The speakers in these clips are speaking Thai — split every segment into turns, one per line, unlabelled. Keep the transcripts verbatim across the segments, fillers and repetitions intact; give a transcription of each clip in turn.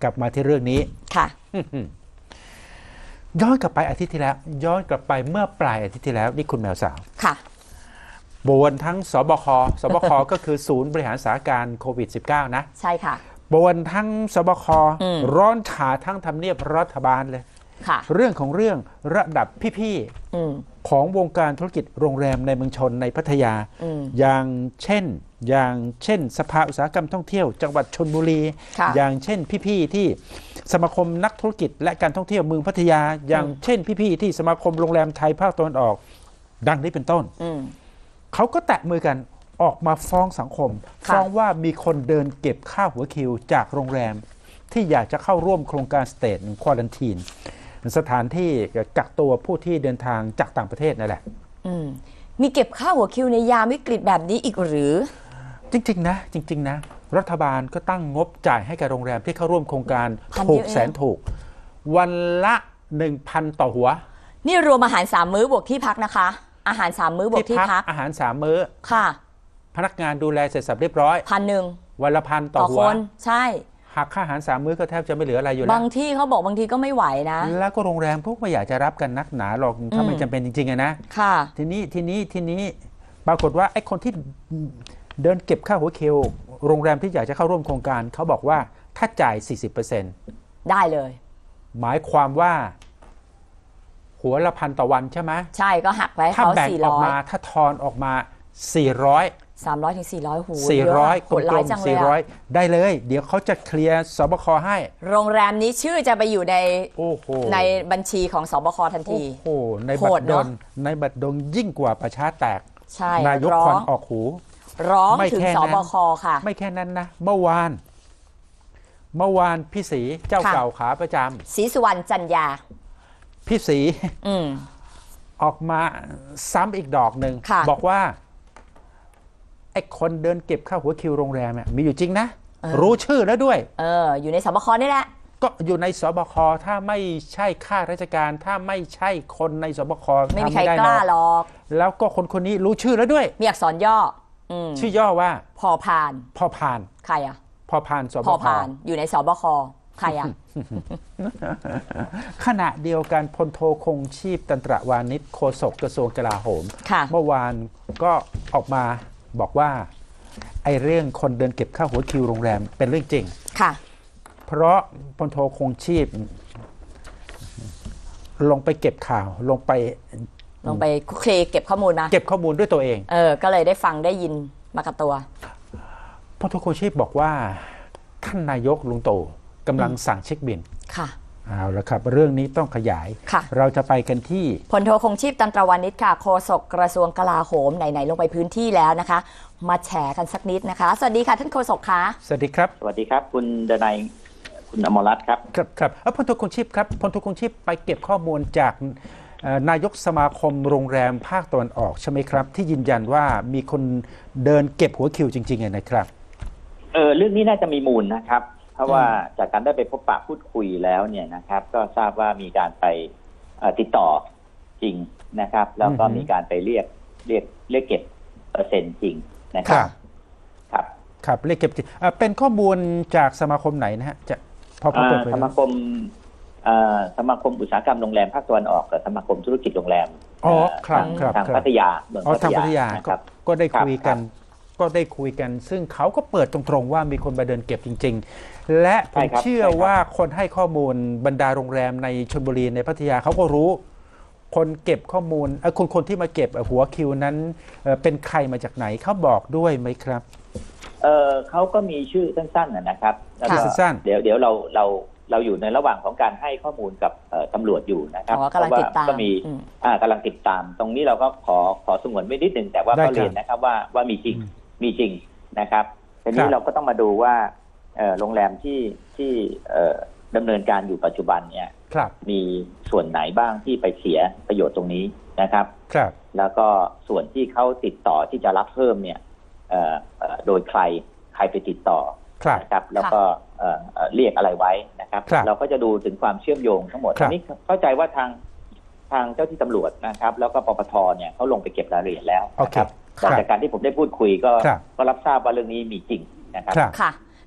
กลับมาที่เรื่องนี้
ค่ะ
ย้อนกลับไปอาทิตย์ที่แล้วย้อนกลับไปเมื่อปลายอาทิตย์ที่แล้วนี่คุณแมวสาว
ค่ะ
บวนทั้งสบคสบคก็คือศูนย์บริหารสถานการณ์โควิด สิบเก้า นะ
ใช่ค่ะ
บวนทั้งสบคร้อนฉาทั้งทำเนียบรัฐบาลเลยเรื่องของเรื่องระดับพี่ๆของวงการธุรกิจโรงแรมในเมืองชนในพัทยาอย่างเช่นอย่างเช่นสภาอุตสาหกรรมท่องเที่ยวจังหวัดชลบุรีอย่างเช่นพี่ๆที่สมาคมนักธุรกิจและการท่องเที่ยวเมืองพัทยาอย่างเช่นพี่ๆที่สมาคมโรงแรมไทยภาคตะวันออกดังนี้เป็นต้นเขาก็แตะมือกันออกมาฟ้องสังคมฟ้องว่ามีคนเดินเก็บค่าหัวคิวจากโรงแรมที่อยากจะเข้าร่วมโครงการสเตทควอรันทีนสถานที่กักตัวผู้ที่เดินทางจากต่างประเทศนั่นแหละ
มีเก็บค่าหัวคิวในยามวิกฤตแบบนี้อีกหรือ
จริงๆนะจริงๆนะรัฐบาลก็ตั้งงบจ่ายให้กับโรงแรมที่เข้าร่วมโครงการถูกแสนถูกวันละ หนึ่งพัน ต่อหัว
นี่รวมอาหารสามมื้อบวกที่พักนะคะอาหารสามมื้อบวกที่พัก
อาหารสามมื้อ
ค่ะ
พนักงานดูแลเสร็จสับเรียบร้อย
พันหนึ่ง
วันละพันต่อหัว
ใช่
หักค่าอาหารสามมื้อก็แทบจะไม่เหลืออะไรอยู่แล้ว
บางที่เขาบอกบางทีก็ไม่ไหวนะ
แล้วก็โรงแรมพวกไม่อยากจะรับกันนักหนาหรอกถ้าไม่จำเป็นจริงๆนะ
ค่ะ
ทีนี้ทีนี้ทีนี้ปรากฏว่าไอ้คนที่เดินเก็บค่าหัวคิวโรงแรมที่อยากจะเข้าร่วมโครงการเขาบอกว่าถ้าจ่าย สี่สิบเปอร์เซ็นต์
ได้เลย
หมายความว่าหัวละพันต่อวันใช่ไหม
ใช่ก็หักไว้เขาสี่ร้อย
ถ้าแบ่งออกมาถ้าทอนออกมาสี่ร้อย
สามร้อยถึงสี่ร้อยหู
สี่ร้อยกลมๆสี่ร้อยได้เลยเดี๋ยวเขาจะเคลียร์สบคให้
โรงแรมนี้ชื่อจะไปอยู่ใน
โอ้โห
ในบัญชีของสบคทันที
โอ้โหในบัตรดลในบัตรดลยิ่งกว่าประชาแตก
ใช่
นายกควันออกหู
ร้องถึงสบคค่ะ
ไม่แค่นั้นนะเมื่อวานเมื่อวานพี่ศรีเจ้าเก่าขาประจ
ำศรีสุวรรณจันยา
พี่ศรีออกมาซ้ำอีกดอกหนึ่งบอกว่าไอ้คนเดินเก็บค่าหัวคิวโรงแรมเนี่ยมีอยู่จริงนะรู้ชื่อแล้วด้วย
เอออยู่ในสบคนี่แหละ
ก็อยู่ในสบคถ้าไม่ใช่ข้าราชการถ้าไม่ใช่คนในสบค
ไม่มีใครกล้าหรอก
แล้วก็คนคนนี้รู้ชื่อแล้วด้วย
มีอักษรย่อ
ชื่อย่อว่า
พอพาน
พอพาน
ใครอะ
พอพานสบค
พอพานอยู่ในสบคใครอะ
ขณะเดียวกันพลโทคงชีพตันตระวานิชโฆษกกระทรวงกลาโหมเมื่อวานก็ออกมาบอกว่าไอ้เรื่องคนเดินเก็บค่าหัวคิวโรงแรมเป็นเรื่องจริง
ค่ะ
เพราะพลโทคงชีพลงไปเก็บข่าวลงไป
ลงไปเคลเก็บข้อมูลมา
เก็บข้อมูลด้วยตัวเอง
เออก็เลยได้ฟังได้ยินมากับตัว
พลโทคงชีพบอกว่าท่านนายกลุงตู่กำลังสั่งเช็คบิน
ค่ะ
เอาละครับเรื่องนี้ต้องขยายเราจะไปกันที่
พลโทคงชีพตันตระวานิชค่ะโฆษกกระทรวงกลาโหมไหนๆลงไปพื้นที่แล้วนะคะมาแฉกันสักนิดนะคะสวัสดีค่ะท่านโฆษกคะ
สวัสดีครับ
สวัสดีครับคุณดนัยคุณอมรรัตน์ครับ
ครับครับพลโทคงชีพครับพลโทคงชีพไปเก็บข้อมูลจากนายกสมาคมโรงแรมภาคตะวันออกใช่ไหมครับที่ยืนยันว่ามีคนเดินเก็บหัวคิวจริงๆนะครับ
เออเรื่องนี้น่าจะมีมูลนะครับเพราะว่าจากการได้ไปพบปะพูดคุยแล้วเนี่ยนะครับก็ทราบว่ามีการไปติดต่อจริงนะครับแล้วก็มีการไปเรียกเรียกเรียกเก็บเปอร์เซ็นต์จริงนะครับครับ
ครับเรียกเก็บจริงเป็นข้อมูลจากสมาคมไหนนะฮะจะพอเปิดเผย
สมาคมสมาคมอุตสาหกรรมโรงแรมภาคตะวันออกกับสมาคมธุรกิจโรงแรมทางพัทยาเมือง
พัทยาก็ได้คุยกันก็ได้คุยกันซึ่งเขาก็เปิดตรงๆว่ามีคนมาเดินเก็บจริงๆและผมเชื่อว่าคนให้ข้อมูลบรรดาโรงแรมในชลบุรีในพัทยาเขาก็รู้คนเก็บข้อมูลคนคนที่มาเก็บหัวคิวนั้นเป็นใครมาจากไหนเขาบอกด้วยไหมครับ
เออเขาก็มีชื่อสั้นๆนะครับ
สั้น
ๆเดี๋ยวเดี๋ยวเราเราเราอยู่ในระหว่างของการให้ข้อมูลกับตำรวจอยู่นะครับ
เพราะว่า
ก็มีกำลังติดตามตรงนี้เราก็ขอขอสงวนไว้นิดนึงแต่ว่าก็เรียนนะครับว่าว่ามีจริงมีจริงนะครับทีนี้เราก็ต้องมาดูว่าโรงแรมที่ที่ดำเนินการอยู่ปัจจุบันเนี่ยมีส่วนไหนบ้างที่ไปเสียประโยชน์ตรงนี้นะครับแล้วก็ส่วนที่เขาติดต่อที่จะรับเพิ่มเนี่ยโดยใครใครไปติดต่อนะครับแล้วก็เรียกอะไรไว้นะครับเราก็จะดูถึงความเชื่อมโยงทั้งหมดอันนี้เข้าใจว่าทางทางเจ้าที่ตำรวจนะครับแล้วก็ปปทเนี่ยเขาลงไปเก็บรายละเอียดแล้วนะครับจากการที่ผมได้พูดคุยก็ก็รับทราบว่าเรื่องนี้มีจริงนะครับ
ค่ะ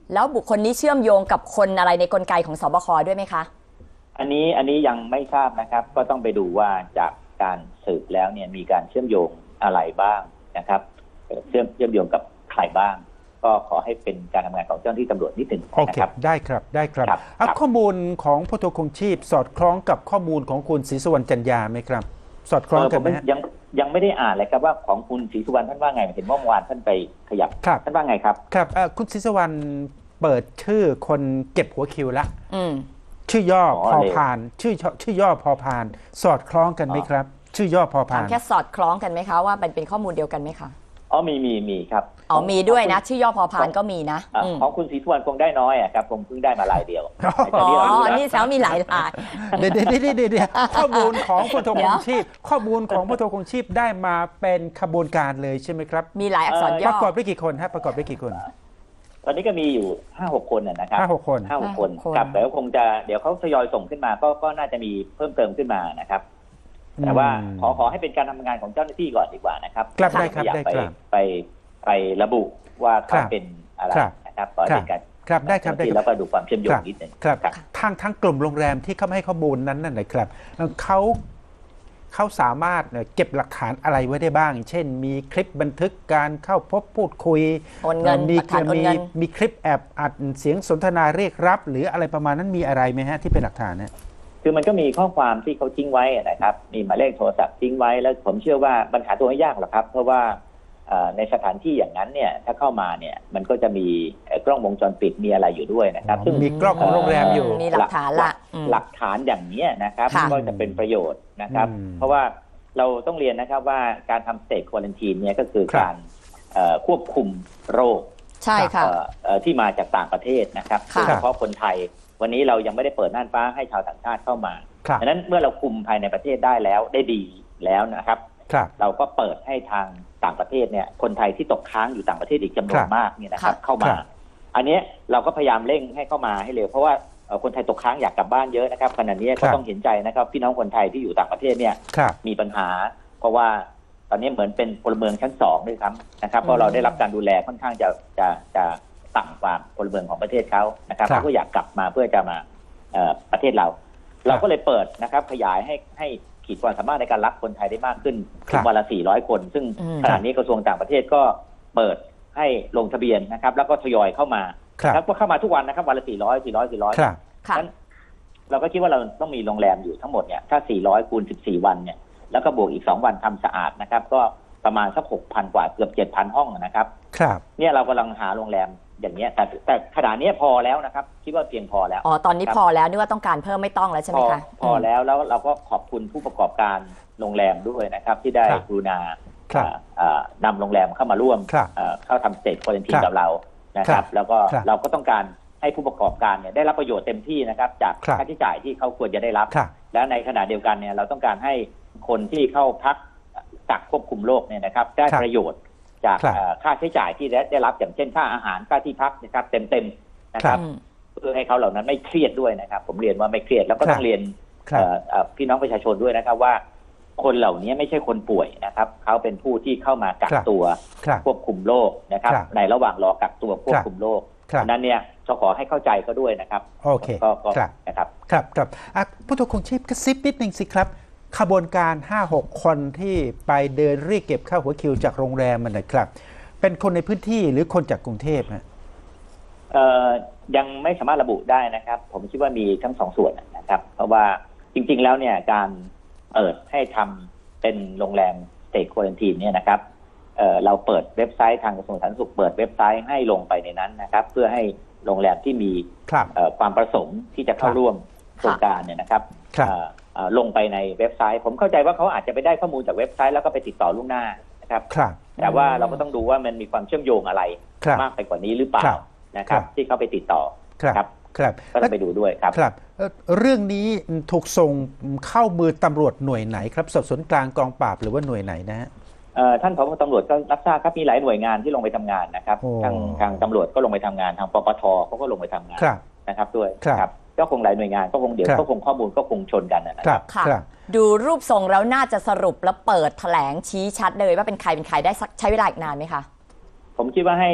แล้วบุคคลนี้เชื่อมโยงกับคนอะไรในกลไกของสบคด้วยไหมคะ
อันนี้อันนี้ยังไม่ทราบนะครับก็ต้องไปดูว่าจากการสืบแล้วเนี่ยมีการเชื่อมโยงอะไรบ้างนะครับเชื่อมเชื่อมโยงกับใครบ้างก็ขอให้เป็นการทำงานของเจ้าหน้าที่ตำรวจนิดหนึ่งนะครับ
ได้ครับได้ครับ
ครับ
ข้อมูลของพลโทคงชีพสอดคล้องกับข้อมูลของคุณศรีสุวรรณจันยาไหมครับสอดคล้องกันไหม
ยังยังไม่ได้อ่านเลยครับว่าของคุณศรีสุวรรณท่านว่าไงเห็นเมื่อวานท่านไปขยับท่านว่าไงครับ
ครับคุณศรีสุวรรณเปิดชื่อคนเก็บหัวคิวละชื่อย่อพอพานชื่อชื่อย่อพอพานสอดคล้องกันไหมครับชื่อย่อพอพาน
แค่สอดคล้องกันไหมคะว่าเป็นเป็นข้อมูลเดียวกันไหมคะ
อ๋อมีมีมีครับ
อ๋อมีด้วยนะชื่อย่อพอพานก็มีนะ
ของคุณศรีสุวรรณคงได้น้อยอ่ะครับผมเพิ่งได้มาลายเดียว
อ๋อนี่แซวมีหลายลาย
เดี๋ยวเดี๋ยวเดี๋ยวเดี๋ยวข้อมูลของพลโทคงชีพข้อมูลของพลโทคงชีพได้มาเป็นขบวนการเลยใช่ไหมครับ
มีหลายอักษรย่อ
ประกอบด้วยกี่คนฮะประกอบด้วยกี่คน
ตอนนี้ก็มีอยู่ห้าหกคนนะครับ
ห้าหกคน
ห้าหกคนครับแต่ก็คงจะเดี๋ยวเขาทยอยส่งขึ้นมาก็ก็น่าจะมีเพิ่มเติมขึ้นมานะครับแต่ว่าขอขอให้เป็นการทำงานของเจ้าหน้าที่ก่อนดีกว่านะครับ
ครับได้ครับได้
ครับไปไประบุว่าเขาเป็นอะไรนะครับขอเป็นการ
ครับได้ครับได้
แล้วก็ดูความเชื่อมโยงนิดหนึ่ง
ครับทางทั้งกลุ่มโรงแรมที่เขาให้ข้อมูลนั้นนั่นแหละครับเขาเขาสามารถเก็บหลักฐานอะไรไว้ได้บ้างเช่นมีคลิปบันทึกการเข้าพบพูดคุย
มี
มีมีคลิปแอบอัดเสียงสนทนาเรียกรับหรืออะไรประมาณนั้นมีอะไรไหมฮะที่เป็นหลักฐานเนี่ย
คือมันก็มีข้อความที่เขาทิ้งไว้นะครับมีหมายเลขโทรศัพท์ทิ้งไว้แล้วผมเชื่อว่าปัญหาตัวไม่ยากหรอกครับเพราะว่าในสถานที่อย่างนั้นเนี่ยถ้าเข้ามาเนี่ยมันก็จะมีกล้องวงจรปิดมีอะไรอยู่ด้วยนะครับ
ซึ่งมีกล้องของโรงแรมอยู่
มีหลักฐานละ
หลักฐานอย่างนี้นะครับก็จะเป็นประโยชน์นะครับเพราะว่าเราต้องเรียนนะครับว่าการทำสเตทควอรันทีนเนี่ยก็คือการควบคุมโรค
ใช่ค่ะ
ที่มาจากต่างประเทศนะครับโดยเฉพาะคนไทยวันนี้เรายังไม่ได้เปิดน่านฟ้าให้ชาวต่างชาติเข้ามาดังนั้นเมื่อเราคุมภายในประเทศได้แล้วได้ดีแล้วนะครับเราก็เปิดให้ทางต่างประเทศเนี่ยคนไทยที่ตกค้างอยู่ต่างประเทศอีกจำนวนมากเนี่ยนะครับเข้ามาอันนี้เราก็พยายามเร่งให้เข้ามาให้เร็วเพราะว่าคนไทยตกค้างอยากกลับบ้านเยอะนะครับขณะนี้ก็ต้องเห็นใจนะครับพี่น้องคนไทยที่อยู่ต่างประเทศเนี่ยมีปัญหาเพราะว่าตอนนี้เหมือนเป็นพลเมืองชั้นสองด้วยครับนะครับเพราะเราได้รับการดูแลค่อนข้างจะจะจะต่ำกว่าพลเมืองของประเทศเขานะครับเขาก็อยากกลับมาเพื่อจะมาประเทศเราเราก็เลยเปิดนะครับขยายให้ให้ขีดความสามารถในการรับคนไทยได้มากขึ้นถึงวันละสี่ร้อยคนซึ่งขณะนี้กระทรวงต่างประเทศก็เปิดให้ลงทะเบียนนะครับแล้วก็ทยอยเข้ามาแล้วก็เข้ามาทุกวันนะครับวันละสี่ร้อย สี่ร้อย สี่ร้อยนั้นเราก็คิดว่าเราต้องมีโรงแรมอยู่ทั้งหมดเนี่ยถ้าสี่ร้อยคูณสิบสี่วันเนี่ยแล้วก็บวกอีกสองวันทำสะอาดนะครับก็ประมาณสัก หกพัน กว่าเกือบ เจ็ดพัน ห้องนะครับ
ครับ
เนี่ยเรากำลังหาโรงแรมอย่างเงี้ยแต่แต่ขนาดนี้พอแล้วนะครับคิดว่าเพียงพอแล้ว
อ๋อตอนนี้พอแล้วนี่ว่าต้องการเพิ่มไม่ต้องแล้วใช่ไหมคะ
พอแล้วแล้วเราก็ขอบคุณผู้ประกอบการโรงแรมด้วยนะครับที่ได้กรุณานำโรงแรมเข้ามาร่วมเข้าทำสเตทควอรันทีนกับเรานะครับแล้วก็เราก็ต้องการให้ผู้ประกอบการเนี่ยได้รับประโยชน์เต็มที่นะครับจากค่าใช้จ่ายที่เขาควรจะได้รับและในขณะเดียวกันเนี่ยเราต้องการให้คนที่เข้าพักกักควบคุมโรคเนี่ยนะครับได้ประโยชน์จากค่าใช้จ่ายที่ได้รับอย่างเช่นค่าอาหารค่าที่พักนะครับเต็มๆนะครับเพื่อให้เขาเหล่านั้นไม่เครียดด้วยนะครับผมเรียนว่าไม่เครียดแล้วก็ต้องเรียนพี่น้องประชาชนด้วยนะครับว่าคนเหล่านี้ไม่ใช่คนป่วยนะครับเขาเป็นผู้ที่เข้ามากักตัวควบคุมโรคนะครับในระหว่างรอกักตัวควบคุมโรคนั้นเนี่ยจะขอให้เข้าใจเขาด้วยนะครับ
โอเค
ก็นะครับ
ครับครับผู้ถูกคงชีพกระซิบนิดนึงสิครับขบวนการ ห้าหก คนที่ไปเดินเรียกเก็บค่าหัวคิวจากโรงแรมมันนะครับเป็นคนในพื้นที่หรือคนจากกรุงเทพฮะ
เอ่อยังไม่สามารถระบุได้นะครับผมคิดว่ามีทั้งสองส่วนนะครับเพราะว่าจริงๆแล้วเนี่ยการเปิดให้ทำเป็นโรงแรมสเตทควอรันทีนเนี่ยนะครับเอ่อเราเปิดเว็บไซต์ทางกระทรวงสาธารณสุขเปิดเว็บไซต์ให้ลงไปในนั้นนะครับเพื่อให้โรงแรมที่มีความประสงค์ที่จะเข้าร่วมโครงการเนี่ยนะครับลงไปในเว็บไซต์ผมเข้าใจว่าเขาอาจจะไปได้ข้อมูลจากเว็บไซต์แล้วก็ไปติดต่อล่วงหน้านะครับแต่ว่าเราก็ต้องดูว่ามันมีความเชื่อมโยงอะไรมากไปกว่านี้หรือเปล่านะครับที่เขาไปติดต่อครับ
ครับ
ก็ต้องไปดูด้วยครับ
ครับเรื่องนี้ถูกส่งเข้ามือตำรวจหน่วยไหนครับสอบสวนกลางกองปราบหรือว่าหน่วยไหนนะฮะ
ท่านผบ.ตำรวจก็รับทราบครับมีหลายหน่วยงานที่ลงไปทำงานนะครับทางทางตำรวจก็ลงไปทำงานทางปปทเขาก็ลงไปทำงานนะครับด้วยครับก็คงหลายหน่วยงานก็คงเดี๋ยวก็คงข้อมูลก็คงชนกันนะครับ
ค่ะดูรูปทรงแล้วน่าจะสรุปแล้วเปิดแถลงชี้ชัดเลยว่าเป็นใครเป็นใครได้ใช้เวลาอีกนานไหมคะ
ผมคิดว่าให้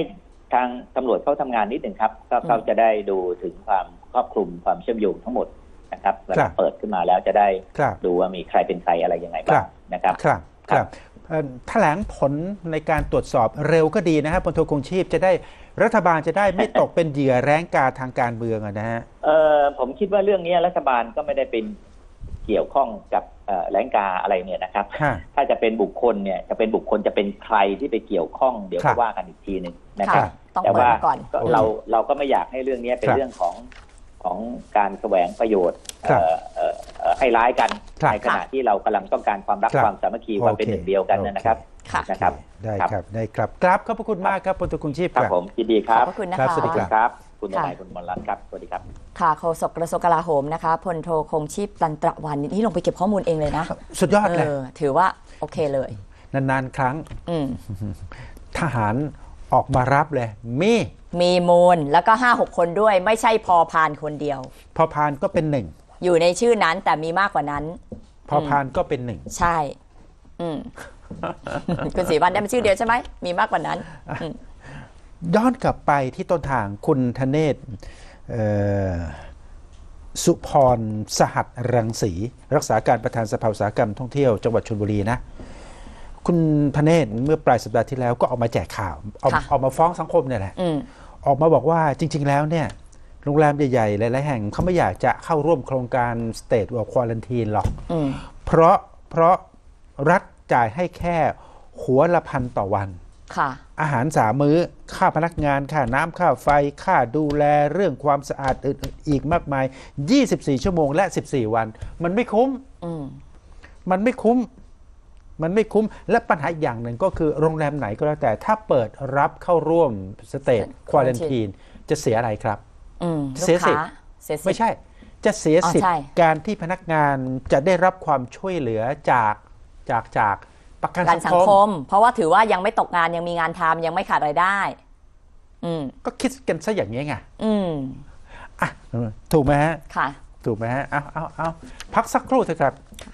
ทางตำรวจเขาทำงานนิดหนึ่งครับก็เขาจะได้ดูถึงความครอบคลุมความเชื่อมโยงทั้งหมดนะครับเวลาเปิดขึ้นมาแล้วจะได้ดูว่ามีใครเป็นใครอะไรยังไงบ้างนะครับ
ครับครับแถลงผลในการตรวจสอบเร็วก็ดีนะครับพลโทคงชีพจะได้รัฐบาลจะได้ไม่ตกเป็นเหยื่อแร้งกาทางการเมืองนะฮะ
เออผมคิดว่าเรื่องนี้รัฐบาลก็ไม่ได้เป็นเกี่ยวข้องกับแรงกาอะไรเนี่ยนะครับถ้าจะเป็นบุคคลเนี่ยจะเป็นบุคคลจะเป็นใครที่ไปเกี่ยวข้องเดี๋ยวก็ว่ากันอีกทีหนึ่งนะครับแต่ว่าเราเราก็ไม่อยากให้เรื่องนี้เป็นเรื่องของของการแสวงประโยชน์ให้ร้ายกันในขณะที่เรากำลังต้องการความรักความสามัคคีความเป็นหนึ่งเดียวกันนะครับนะครับ
ได้ครับได้ครับกราบขอบพระคุณมากครับพลโทคงชีพ
ครับผมยินดีครับ
ขอบพระคุณนะคะ
สวัสดี
ครับคุณนายคุณมรรัตน์ครับสวัสดีครับ
ค่ะโฆษกกระทรวงกลาโหมนะคะพลโทคงชีพตันตระวานิชนี่ลงไปเก็บข้อมูลเองเลยนะ
สุดยอดเลย
ถือว่าโอเคเลย
นานๆครั้งทหารออกมารับเลยมี
มีมูลแล้วก็ห้าหกคนด้วยไม่ใช่พอพานคนเดียว
พอพานก็เป็นหนึ่ง
อยู่ในชื่อนั้นแต่มีมากกว่านั้น
พอพานก็เป็นหนึ่ง
ใช่อืมคุณศรีวรรณได้เป็นชื่อเดียวใช่ไหมมีมากกว่านั้น
ย้อนกลับไปที่ต้นทางคุณธเนศสุพรสหัสรังสีรักษาการประธานสภาอุตสาหกรรมท่องเที่ยวจังหวัดชลบุรีนะคุณธเนศเมื่อปลายสัปดาห์ที่แล้วก็ออกมาแจกข่าวออกออกมาฟ้องสังคมเนี่ยแหละออกมาบอกว่าจริงๆแล้วเนี่ยโรงแรมใหญ่ๆหลายๆแห่งเขาไม่อยากจะเข้าร่วมโครงการ State of Quarantine หรอกเพราะเพราะรัฐจ่ายให้แค่หัวละพันต่อวันอาหารสามมื้อค่าพนักงานค่าน้ำค่าไฟค่าดูแลเรื่องความสะอาดอีกมากมายยี่สิบสี่ชั่วโมงและสิบสี่วันมันไม่คุ้มมันไม่คุ้มมันไม่คุ้มและปัญหาอีกอย่างหนึ่งก็คือโรงแรมไหนก็แล้วแต่ถ้าเปิดรับเข้าร่วม State Quarantine จะเสียอะไรครับ
เสียสิทธิ์
ไม่ใช่จะเสียสิทธิ์การที่พนักงานจะได้รับความช่วยเหลือจากจากจากประกันสังคม
เพราะว่าถือว่ายังไม่ตกงานยังมีงานทำยังไม่ขาดรายได้
ก็คิดกันซะอย่างนี้ไง
อ่ะ
ถูกไหมฮะ
ค่ะ
ถูกไหมฮะเอาเอาเอาพักสักครู่เถอะครับ